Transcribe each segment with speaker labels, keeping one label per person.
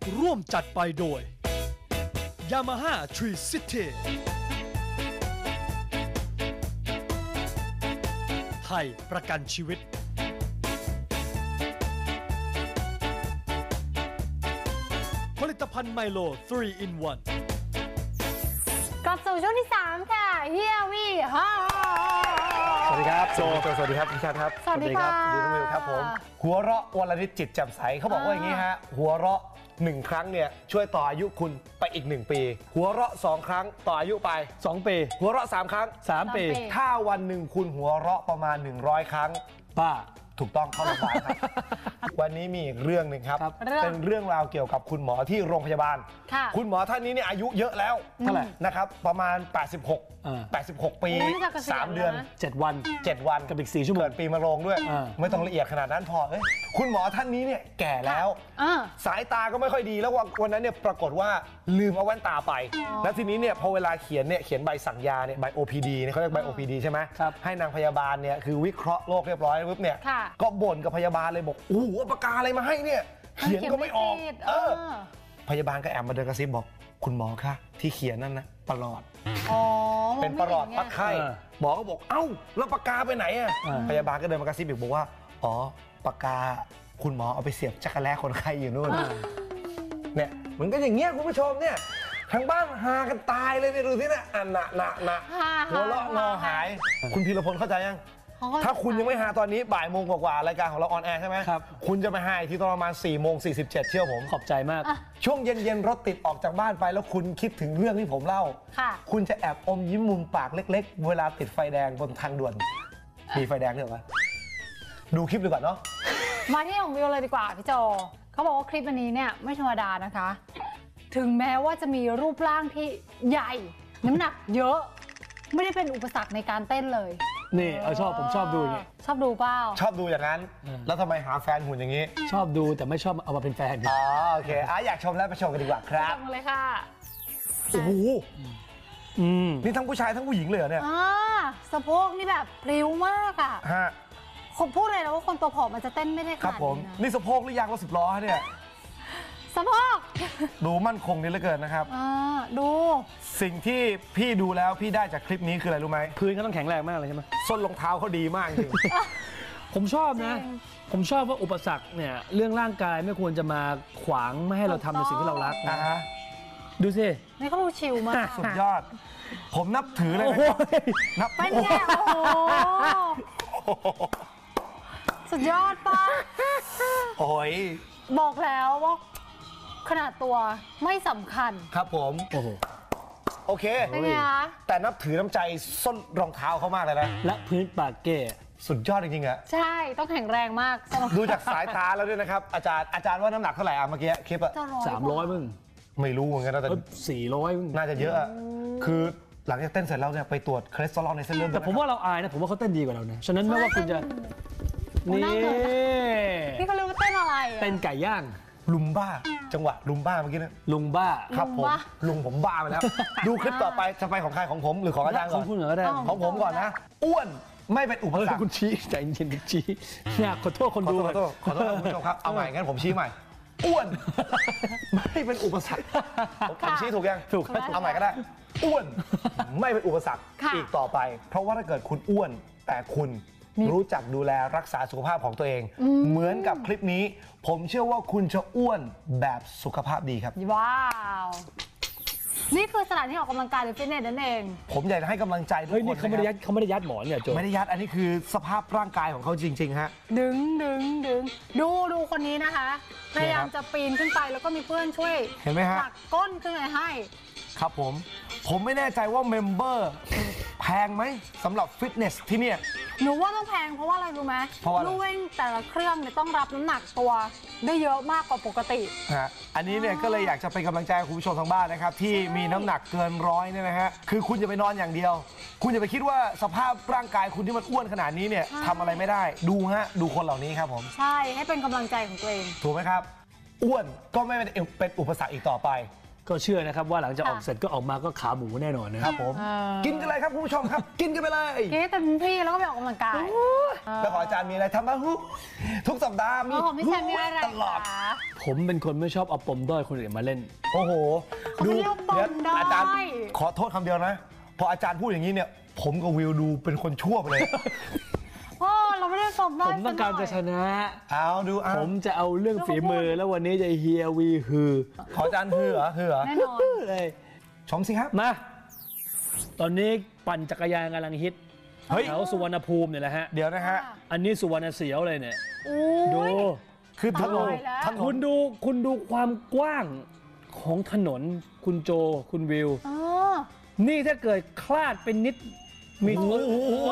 Speaker 1: ร่วมจัดไปโดย Yamaha Tree City ไทยประกันชีวิตผลิตภัณฑ์ไมโล 3 in 1
Speaker 2: กลับสู่ช่วงที่ 3 ค่ะเฮียวี่ฮ่า
Speaker 3: สวัสดีครับโจสวัสดีครับพี่ชาติครับ
Speaker 2: สวัสดีครับ
Speaker 3: ดีน้องวิวครับผมหัวเราะวันละนิดจิตแจ่มใสเขาบอกว่าอย่างนี้ฮะหัวเราะ1 ครั้งเนี่ยช่วยต่ออายุคุณไปอีก1 ปีหัวเราะ2 ครั้งต่ออายุไป
Speaker 1: 2 ปี
Speaker 3: หัวเราะ3 ครั้ง
Speaker 1: 3 ปี
Speaker 3: ถ้าวันหนึ่งคุณหัวเราะประมาณ100 ครั้ง
Speaker 1: ป้า
Speaker 3: ถูกต้องเข้าโรงพยาบาลครับวันนี้มีอีกเรื่องหนึ่งครับเป็นเรื่องราวเกี่ยวกับคุณหมอที่โรงพยาบาลคุณหมอท่านนี้เนี่ยอายุเยอะแล้ว
Speaker 1: เท่าไหร่
Speaker 3: นะครับประมาณ86 ปี3 เดือน
Speaker 1: 7 วันกับอีก4 ชั่วโมง
Speaker 3: เกิดปีมะโรงด้วยไม่ต้องละเอียดขนาดนั้นพอคุณหมอท่านนี้เนี่ยแก่แล้วสายตาก็ไม่ค่อยดีแล้ววันนั้นเนี่ยปรากฏว่าลืมเอาแว่นตาไปแล้วทีนี้เนี่ยพอเวลาเขียนใบสั่งยาเนี่ยใบ OPD เนี่ยเขาเรียกใบ OPD ใช่ไหมให้นางพยาบาลเนี่ยคือวิเคราะห์โรคเรียบร้อยปุ๊บเนี่ยก็บ่นกับพยาบาลเลยบอกโอ้โหปากกาอะไรมาให้เนี่ยเขียนก็ไม่ออกพยาบาลก็แอบมาเดินกระซิบบอกคุณหมอคะที่เขียนนั่นนะประหลอดเป็นประหลอดปักไข้หมอก็บอกเอ้าแล้วปากกาไปไหนอ่ะพยาบาลก็เดินมากระซิบบอกว่าอ๋อปากกาคุณหมอเอาไปเสียบจักรแล้คนไข้อยู่นู่นเนี่ยมันก็อย่างเงี้ยคุณผู้ชมเนี่ยทางบ้านหากันตายเลยเนี่ยดูสิเนี่ยนะหัวเราะงอหายคุณพีรพลเข้าใจยังถ้าคุณยังไม่หาตอนนี้บ่ายโมงกว่ารายการของเราออนแอร์ใช่ไหมครับคุณจะไปหาที่ตอนประมาณ4:47เชื่อผม
Speaker 1: ขอบใจมาก
Speaker 3: ช่วงเย็นๆรถติดออกจากบ้านไปแล้วคุณคิดถึงเรื่องที่ผมเล่าคุณจะแอบอมยิ้มมุมปากเล็กๆเวลาติดไฟแดงบนทางด่วนมีไฟแดงด้วยเหรอดูคลิปดีกว่าเนาะ
Speaker 2: มาที่ของวิวเลยดีกว่าพี่โจเขาบอกว่าคลิปอันนี้เนี่ยไม่ธรรมดานะคะถึงแม้ว่าจะมีรูปร่างที่ใหญ่น้ำหนักเยอะไม่ได้เป็นอุปสรรคในการเต้นเลย
Speaker 1: นี่ผมชอบดูอย่างนี้
Speaker 2: ชอบดูเปล่า
Speaker 3: ชอบดูอย่างนั้นแล้วทำไมหาแฟนหุ่นอย่างนี้
Speaker 1: ชอบดูแต่ไม่ชอบเอามาเป็นแฟน
Speaker 3: โอเคอยากชมแล้วไปชมกันดีกว่าครับ
Speaker 2: ชมเลยค่ะ
Speaker 3: โอ้โหนี่ทั้งผู้ชายทั้งผู้หญิงเลยเหรอเนี่ย
Speaker 2: สะโพกนี่แบบพลิ้วมากอ่ะผมพูดเลยนะว่าคนตัวผอมมันจะเต้นไม่ได้ขนาดนี้นะ
Speaker 3: นี่สะโพกหรือยางรถ10 ล้อเนี่ย
Speaker 2: สะโพก
Speaker 3: ดูมั่นคงดีเหลือเกินนะครับ
Speaker 2: ดู
Speaker 3: สิ่งที่พี่ดูแล้วพี่ได้จากคลิปนี้คืออะไรรู้ไหม
Speaker 1: พื้นเขาต้องแข็งแรงมากเลยใช่ไหม
Speaker 3: ส้นรองเท้าเขาดีมากจริง
Speaker 1: ผมชอบนะผมชอบว่าอุปสรรคเนี่ยเรื่องร่างกายไม่ควรจะมาขวางไม่ให้เราทำในสิ่งที่เรารักนะดูสิ
Speaker 2: นี่เขาดูชิลมาก
Speaker 3: สุดยอดผมนับถือเลยนับ
Speaker 2: เป็นไงโอ้โหสุดยอดป่ะ
Speaker 3: โอ้ย
Speaker 2: บอกแล้วว่าขนาดตัวไม่สำคัญ
Speaker 3: ครับผมโอเคแต่นับถือน้ำใจส้นรองเท้าเขามากเลยนะ
Speaker 1: และพื้นปากเก้
Speaker 3: สุดยอดจริงๆอะ
Speaker 2: ใช่ต้องแข็งแรงมาก
Speaker 3: ดูจากสายตาแล้วด้วยนะครับอาจารย์ว่าน้ำหนักเท่าไหร่เมื่อกี้คลิปอะ
Speaker 1: 300มึง
Speaker 3: ไม่รู้เหมือนกันนะแต่
Speaker 1: 400
Speaker 3: น่าจะเยอะคือหลังจากเต้นเสร็จแล้วเนี่ยไปตรวจคอเลสเตอรอลในเส้นเลือด
Speaker 1: แต่ผมว่าเราอายนะผมว่าเขาเต้นดีกว่าเรานะฉะนั้นไม่ว่าคุณจะ
Speaker 2: นี่เขาเรียกว่าเต้นอะไร
Speaker 1: เต้นไก่ย่าง
Speaker 3: ลุมบ้าจังหวะลุมบ้าเมื่อกี้นะ
Speaker 1: ลุงบ้า
Speaker 3: ครับผมลุงผมบ้าไปแล้วดูคลิปต่อไปจะไปของใครของผมหรือของอาจารย์ก่อน
Speaker 1: ของคุณเหรอได้
Speaker 3: ของผมก่อนนะอ้วนไม่เป็นอุปสรรค
Speaker 1: คุณชี้ใจเย็นๆชี้อยากขอโทษคนดู
Speaker 3: ขอโทษคุณผู้ชมครับเอาใหม่งั้นผมชี้ใหม่อ้วนไม่เป็นอุปสรรคผมชี้ถูกยัง
Speaker 1: ถูก
Speaker 3: เอาใหม่ก็ได้อ้วนไม่เป็นอุปสรรคอีกต่อไปเพราะว่าถ้าเกิดคุณอ้วนแต่คุณรู้จักดูแลรักษาสุขภาพของตัวเองเหมือนกับคลิปนี้ผมเชื่อว่าคุณจะอ้วนแบบสุขภาพดีครับ
Speaker 2: ว้าวนี่คือสถานที่ออกกำลังกายหรือฟิตเนสนั่นเอง
Speaker 3: ผมอยากจะให้กำลังใจทุกคน
Speaker 1: เขาไม่ได้ยัดหมอนเนี่ยโจ
Speaker 3: ไม่ได้ยัดอันนี้คือสภาพร่างกายของเขาจริงๆฮะ
Speaker 2: ดึงดูคนนี้นะคะพยายามจะปีนขึ้นไปแล้วก็มีเพื่อนช่วย
Speaker 3: เห็นไหมฮะ
Speaker 2: ผลักก้นขึ้นไปให้
Speaker 3: ครับผมไม่แน่ใจว่าเมมเบอร์แพงไหมสำหรับฟิตเนสที่เนี่ย
Speaker 2: หนูว่าต้องแพงเพราะว่าอะไรรู้ไหมลู่วิ่งแต่ละเครื่องเนี่ยต้องรับน้ำหนักตัวได้เยอะมากกว่าปกติ
Speaker 3: อันนี้เนี่ยก็เลยอยากจะเป็นกำลังใจคุณผู้ชมทางบ้านนะครับที่มีน้ำหนักเกิน100เนี่ยนะฮะคือคุณจะไปนอนอย่างเดียวคุณจะไปคิดว่าสภาพร่างกายคุณที่มันอ้วนขนาดนี้เนี่ยทำอะไรไม่ได้ดูคนเหล่านี้ครับผม
Speaker 2: ใช่ให้เป็นกำลังใจของตัวเอง
Speaker 3: ถูกไหมครับอ้วนก็ไม่เป็นอุปสรรคอีกต่อไป
Speaker 1: ก็เชื่อนะครับว่าหลังจากออกเสร็จก็ออกมาก็ขาหมูแน่นอนนะครับ
Speaker 3: ผมกินกันเลยครับคุณผู้ชมครับ กินกันไปเลย
Speaker 2: กินให้เต็มที่แล้วก็ไปออกกำลังกาย
Speaker 3: แล้วขออาจารย์มีอะไรทำบ้างทุกสัปดาห์มี
Speaker 2: โอ้โหพี่แชมป์มีอะไร
Speaker 3: ตลอด
Speaker 2: คะ
Speaker 1: ผมเป็นคนไม่ชอบเอาปมด้อยคนอื่นมาเล่น
Speaker 3: โอ้โห
Speaker 2: เขาไม่เรียกว่าปมด้อย
Speaker 3: อาจารย์ขอโทษคำเดียวนะ พออาจารย์พูดอย่างนี้เนี่ย ผมกับวิวดูเป็นคนชั่วไปเลย
Speaker 2: พ่อเราไม่ได้สมได้
Speaker 1: ผมต้องการจะชนะ
Speaker 3: เอาดูเอา
Speaker 1: ผมจะเอาเรื่องฝีมือแล้ววันนี้จะเฮียวีฮือ
Speaker 3: ขออาจารย์ฮือเหรอ
Speaker 2: แน่นอน
Speaker 1: เลย
Speaker 3: ชมสิครับ
Speaker 1: มา ตอนนี้ปั่นจักรยานกำลังฮิต
Speaker 3: เฮ้ย
Speaker 1: แถวสุวรรณภูมิเนี่ยแหละฮะ
Speaker 3: เดี๋ยวนะฮะ
Speaker 1: อันนี้สุวรรณเสียวเลยเนี่ย
Speaker 2: โอ้
Speaker 1: ดู
Speaker 2: ย
Speaker 3: คือถนน
Speaker 2: ตายแล้ว
Speaker 3: ถน
Speaker 1: คุ
Speaker 3: น
Speaker 1: ณดูความกว้างของถนนคุณโจคุณวิว
Speaker 2: เออ
Speaker 1: นี่ถ้าเกิดคลาดเป็นนิดมี
Speaker 3: โอ้โห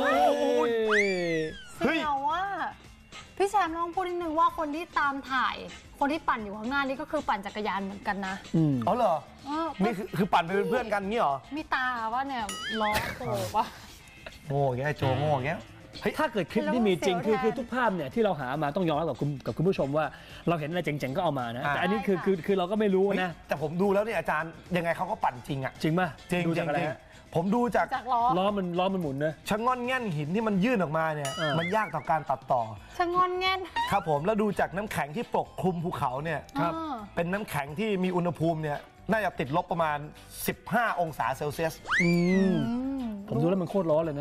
Speaker 3: เฮ้ย
Speaker 2: เสียวว่าพี่แชมป์ลองพูดนิดนึงว่าคนที่ตามถ่าย คนที่ปั่นอยู่ข้างหน้านี่ก็คือปั่นจักรยานเหมือนกันนะ
Speaker 1: อืม
Speaker 3: อ๋อเหรอ
Speaker 2: เออ
Speaker 3: นี่คือปั่นไปเป็นเพื่อนกันงี้เหรอ
Speaker 2: มีตาว่าเนี่ยล้อโผล่ปะ
Speaker 3: โง่แกโจโง่แก
Speaker 1: ถ้าเกิดคลิปที่มีจริง
Speaker 2: แล้วมันเสียวแทน
Speaker 1: คือทุกภาพเนี่ยที่เราหามาต้องยอมรับกับคุณผู้ชมว่าเราเห็นอะไรเจ๋งๆก็เอามานะ แต่อันนี้คือเราก็ไม่รู้นะ
Speaker 3: แต่ผมดูแล้วเนี่ยอาจารย์ยังไงเขาก็ปั่นจริงอะ
Speaker 1: จริงป่ะ
Speaker 3: จริง
Speaker 1: ดู
Speaker 3: จริ
Speaker 1: จาก
Speaker 3: ง
Speaker 1: อะไร
Speaker 3: จริง
Speaker 1: ฮะ
Speaker 3: ผมดูจาก
Speaker 2: จากล้อ
Speaker 1: ล้อมันหมุนนะ
Speaker 3: ชะง่อนแง่นหินที่มันยื่นออกมาเนี่ย มันยากต่อการตัดต่อ
Speaker 2: ชะงอนแง่น
Speaker 3: ครับผมแล้วดูจากน้ำแข็งที่ปกคลุมภูเขาเนี่ย
Speaker 1: ครับ
Speaker 2: เออ
Speaker 3: เป็นน้ำแข็งที่มีอุณหภูมิเนี่ยน่าจะติดลบประมาณ 15 องศาเซลเซียส
Speaker 1: อืม
Speaker 2: อืม
Speaker 1: ผมดูแล้วมันโคตรร้อนเลยนะ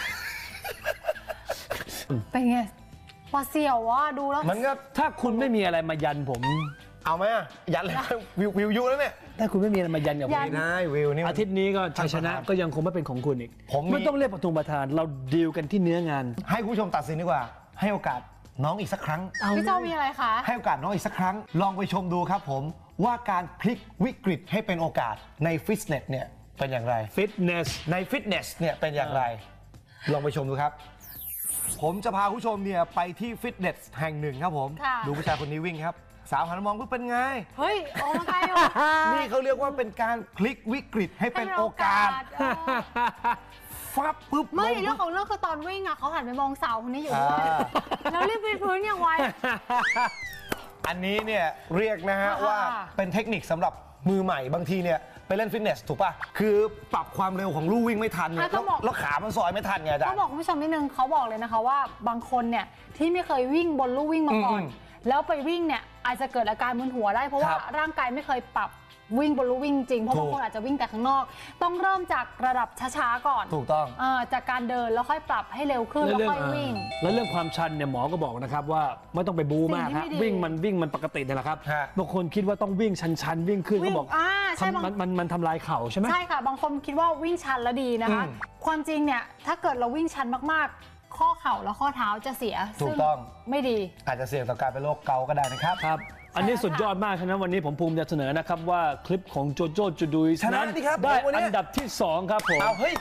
Speaker 2: เป็นไงหวาดเสียวว่าดูแล้ว
Speaker 3: มันก็
Speaker 1: ถ้าคุณไม่มีอะไรมายันผม
Speaker 3: เอาไหมอะยันเลยวิวยุแล้วเนี่ย
Speaker 1: ถ้าคุณไม่มีอะไรมายันกับผม
Speaker 3: ไม่ได้วิวนี่มัน
Speaker 1: อาทิตย์นี้ก็ชัยชนะก็ยังคงไม่เป็นของคุณอีก
Speaker 3: ผมมี
Speaker 1: ไม่ต้องเรียกประทุมประธาน เราดีลกันที่เนื้องาน
Speaker 3: ให้คุณผู้ชมตัดสินดีกว่า ให้โอกาสน้องอีกสักครั้ง
Speaker 2: พี่เจ้ามีอะไรคะ
Speaker 3: ให้โอกาสน้องอีกสักครั้ง ลองไปชมดูครับผมว่าการพลิกวิกฤตให้เป็นโอกาสในฟิตเนสเนี่ยเป็นอย่างไร
Speaker 1: ฟิตเนส
Speaker 3: ในฟิตเนสเนี่ยเป็นอย่างไร ลองไปชมดูครับ ผมจะพาผู้ชมเนี่ยไปที่ฟิตเนสแห่งหนึ่งครับผม
Speaker 2: ค่ะ
Speaker 3: ดูผู้ชายคนนี้วิ่งครับ สาวหันมามองปุ๊บเป็นไง
Speaker 2: เฮ้ยออกกำลังกายเหรอ
Speaker 3: นี่เขาเรียกว่าเป็นการพลิกวิกฤตให้เป็นโอกาส
Speaker 2: เออ
Speaker 3: ฟับปุ๊บ
Speaker 2: ไม่
Speaker 3: ลง
Speaker 2: เรื่อ
Speaker 3: ปุ๊
Speaker 2: ง
Speaker 3: บ
Speaker 2: ของเรื่องคือตอนวิ่งอ่ะเขาหันไปมองสาวคนนี้อยู่ด้วย
Speaker 3: อ่า
Speaker 2: แล้วรีบวิดพื้นอย่างไว
Speaker 3: อันนี้เนี่ยเรียกนะฮะ
Speaker 2: อ่า
Speaker 3: ว่าเป็นเทคนิคสำหรับมือใหม่บางทีเนี่ยไปเล่นฟิตเนสถูกป่ะ คือปรับความเร็วของลู่วิ่งไม่ทันเนี่ยแล้วขามันซอยไม่ทันไงอาจาร
Speaker 2: ต้อง
Speaker 3: ย์
Speaker 2: บอกคุณผู้ชมนิดนึงเขาบอกเลยนะคะว่าบางคนเนี่ยที่ไม่เคยวิ่งบนลู่วิ่งมาก่อน แล้วไปวิ่งเนี่ยอาจจะเกิดอาการมึนหัวได้เพราะว่าร่างกายไม่เคยปรับวิ่งบนลู่วิ่งจริงเพราะบางคนอาจจะวิ่งแต่ข้างนอก ต้องเริ่มจากระดับช้าๆก่อน
Speaker 3: ถูกต้อง
Speaker 2: จากการเดินแล้วค่อยปรับให้เร็วขึ้นแล้วค่อยวิ่ง
Speaker 1: แล้วเรื่องความชันเนี่ยหมอก็บอกนะครับว่าไม่ต้องไปบู๊มาก
Speaker 2: สิ่งที่
Speaker 1: ฮะ
Speaker 2: ไม่ดี
Speaker 1: วิ่งมันปกติเนี่ยแหละครับ
Speaker 3: ฮะ
Speaker 1: บางคนคิดว่าต้องวิ่งชันวิ่งขึ้น
Speaker 2: วิ่
Speaker 1: เขา
Speaker 2: ง
Speaker 1: บอก
Speaker 2: ใช่บาง
Speaker 1: มันทำลายเข่าใช่ไหม
Speaker 2: ใช่ค่ะ บางคนคิดว่าวิ่งชันแล้วดีนะคะ ความจริงเนี่ยถ้าเกิดเราวิ่งชันมากๆ ข้อเข่าและข้อเท้าจะเสีย
Speaker 3: ถูก
Speaker 2: ซึ่
Speaker 3: ต้อง
Speaker 2: ไม่ดี
Speaker 3: อาจจะเสี่ยงต่อการเป็นโรคเกาต์ก็ได้นะครับ
Speaker 1: ครับ อันนี้สุดยอดมากฉะนั้นวันนี้ผมภูมิใจเสนอนะครับว่าคลิปของโจโจจูดุยส์
Speaker 3: ชนะ
Speaker 1: นั้น
Speaker 3: สิครับ
Speaker 1: ได้
Speaker 3: วันนี้
Speaker 1: อันดับที่ 2 ครับผม
Speaker 3: เอาเฮ้ย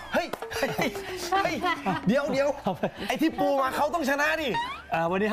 Speaker 3: เดี๋ยวไอ้ที่ปูมาเขาต้องชนะดิ
Speaker 1: วันนี้ให้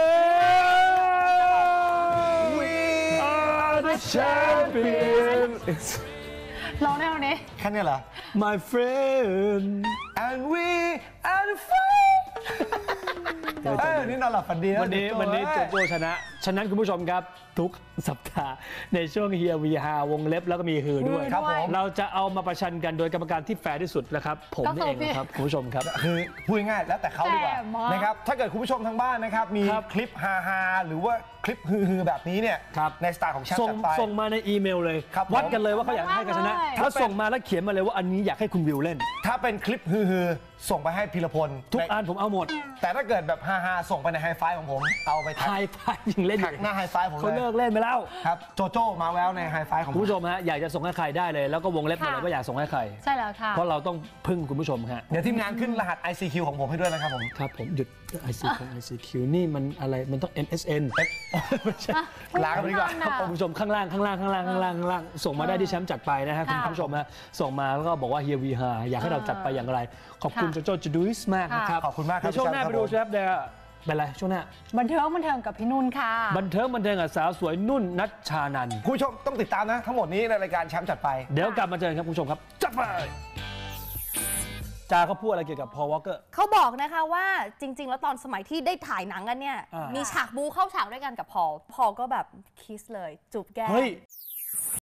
Speaker 3: We
Speaker 1: are the champion
Speaker 2: ร้องได้วันนี้
Speaker 3: แค่นี้เหรอ
Speaker 1: my friend
Speaker 3: and we are the fight นี่นอนหลับฝันดีนะ
Speaker 1: วันนี้โจโจชนะ ฉะนั้นคุณผู้ชมครับทุกสัปดาห์ในช่วงเฮียวีฮาวงเล็บแล้วก็มีฮือด้วย
Speaker 3: ครับผม
Speaker 1: เราจะเอามาประชันกันโดยกรรมการที่แฟร์ที่สุดนะครับ ผมนี่เองนะครับคุณผู้ชมครับ
Speaker 3: คือพูดง่ายๆแล้วแต่เขาดีกว่า
Speaker 2: แต่มาก
Speaker 3: นะครับถ้าเกิดคุณผู้ชมทางบ้านนะครับมี
Speaker 1: ครับ
Speaker 3: คลิปฮาๆหรือว่าคลิปฮือๆแบบนี้เนี่ย
Speaker 1: ครับ
Speaker 3: ในสไตล์ของแชมป์
Speaker 1: ส่ง
Speaker 3: จัดไป
Speaker 1: ส่งมาในอีเมลเลย
Speaker 3: ครับผม
Speaker 1: วัดกันเลยว่าเขาอยากให้กันชนะ
Speaker 2: ได้เลย
Speaker 1: ถ้าส่งมาแล้วเขียนมาเลยว่าอันนี้อยากให้คุณวิวเล่น
Speaker 3: ถ้าเป็นคลิปฮือๆส่งไปให้พีรพล
Speaker 1: ทุกอันผมเอาหมด
Speaker 3: แต่ถ้าเกิดแบบฮาๆส่งไปในไฮไฟของผมเอาไป
Speaker 1: ไฮไฟยังเล่นอ
Speaker 3: แท็ก
Speaker 1: ยู่
Speaker 3: หน้าไฮไฟผม
Speaker 1: เขา
Speaker 3: เล
Speaker 1: เลิ
Speaker 3: ย
Speaker 1: กเล่นไปแล้ว
Speaker 3: ครับโจโจ้มาแววในไฮไฟของผ
Speaker 1: คุณ
Speaker 3: ม
Speaker 1: ผู้ชมฮะอยากจะส่งให้ใครได้เลย แล้วก็วงเล็บมาเลย
Speaker 2: ค่ะ
Speaker 1: ว่าอยากส่งให้ใคร
Speaker 2: ใช่แล้วค่ะ
Speaker 1: เพราะเราต้องพึ่งคุณผู้ชมฮะ
Speaker 3: เดี๋ยวทีมงานขึ้นรหัส ICQ ของผมให้ด้วยนะครับผม
Speaker 1: ครับผมหยุด ICQ นี่มันอะไรมันต้อง MSN ไม่ใช่
Speaker 3: ลากันไปดีกว่า
Speaker 2: ไม่ทันอะ
Speaker 1: คุณผู้ชมข้างล่างส่งมาได้ที่แชมป์จัดไปนะฮะคุณ
Speaker 2: ค่ะ
Speaker 1: ผู้ชมฮะส่งมาแล้วก็บอกว่าเฮียวีฮาอยากให้เราจัดไปอย่างไร ขอบคุณ
Speaker 2: ค่ะ
Speaker 1: โจโจจูดุยส์มากนะครับ
Speaker 3: ขอบคุณมากครับ
Speaker 1: ในช่วงหน้า
Speaker 3: พี่
Speaker 1: ไป
Speaker 3: แชมป์
Speaker 1: ดู
Speaker 3: ครับ
Speaker 1: แชมป์เดี๋ยวเป็นไรช่วงหน้า
Speaker 2: บันเทิงกับพี่นุ่นค่ะ
Speaker 1: บันเทิงกับสาวสวยนุ่นนัชชานันท์
Speaker 3: คุณผู้ชมต้องติดตามนะ ทั้งหมดนี้ในรายการแชมป์จัดไป
Speaker 1: เดี๋ยวกลับมาเจอกันครับคุณผู้ชมครับจัดไปจาเขาพูดอะไรเกี่ยวกับพอลวอลเกอร์
Speaker 4: เขาบอกนะคะว่าจริง ๆ แล้วตอนสมัยที่ได้ถ่ายหนังกันเนี่ย
Speaker 1: อ่ามี
Speaker 4: มีฉากบูเข้าฉากด้วยกันกับพอลก็แบบคิสเลยจูบแก้ม
Speaker 1: เฮ้ย